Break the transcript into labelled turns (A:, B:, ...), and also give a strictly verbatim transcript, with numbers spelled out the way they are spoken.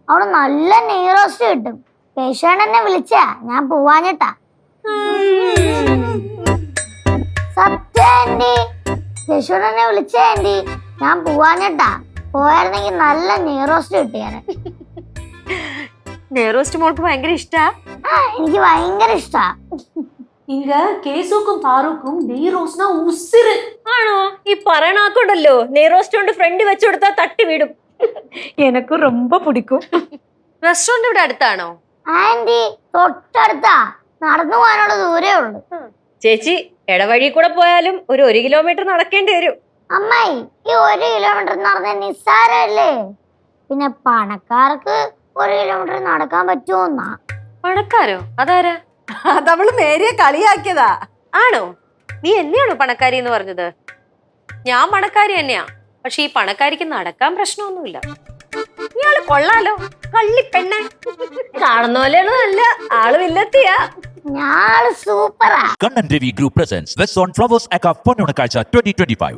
A: അവിടെ നല്ല നെയ് റോസ്റ്റ് കിട്ടും. കേശവനെന്നെ വിളിച്ചാ ഞാൻ പോവാഞ്ഞിട്ടാ. സത്യം ആന്റി, കേശവനെന്നെ വിളിച്ചാ ആന്റി, ഞാൻ പോവാഞ്ഞിട്ടാ. പോയായിരുന്നെങ്കിൽ നല്ല നെയ് റോസ്റ്റ് കിട്ടിയാനെ.
B: നെയ് റോസ്റ്റ് മോൾക്ക് ഭയങ്കര ഇഷ്ടാ?
A: ആ എനിക്ക് ഭയങ്കര ഇഷ്ടാ.
C: இங்க கேசுக்கும் பாருக்கும் நெய் ரோஸ்னா உசிறு.
B: ആണോ? ഈ പറയണാക്കുണ്ടല്ലോ നെയ് റോസ്റ്റ് കൊണ്ട് ഫ്രണ്ട് വെച്ചു കൊടുത്താൽ തട്ടി വീടും. എനക്ക് ரொம்ப പിടിക്കും. റെസ്റ്റോറന്റ് ഇവിടെ അടുത്താണോ?
A: ആന്റി തൊട്ടടുത്താ, നടന്നു പോകാനുള്ള ദൂരേ ഉള്ളു.
B: ചേച്ചി ഇടവഴി കൂടെ പോയാലും ഒരു ഒരു കിലോമീറ്റർ നടക്കേണ്ടി വരും.
A: അമ്മായി, ഈ ഒരു കിലോമീറ്റർ നടന്ന നിസ്സാരല്ലേ? പിന്നെ പണക്കാർക്ക് ഒരു കിലോമീറ്റർ നടക്കാൻ പറ്റുമോന്നാ.
B: പണക്കാരോ? അതാരാ?
C: അതവള് മേരിയെ കളിയാക്കിയതാ.
B: ആണോ? നീ എന്നെയാണോ പണക്കാരി എന്ന് പറഞ്ഞത്? ഞാൻ പണക്കാരി തന്നെയാ, പക്ഷെ ഈ പണക്കാരിക്ക് നടക്കാൻ പ്രശ്നമൊന്നുമില്ല. ഇയാള് കൊള്ളാലോ, കള്ളിപ്പെണ്ണെ. കാണുന്ന പോലെയാണ്, നല്ല ആള് വില്ലത്തിയാ.
A: ഞാള് സൂപ്പറാ.
D: Kannan Devi Group presents West on Flowers Aka Ponnunakazha twenty twenty-five.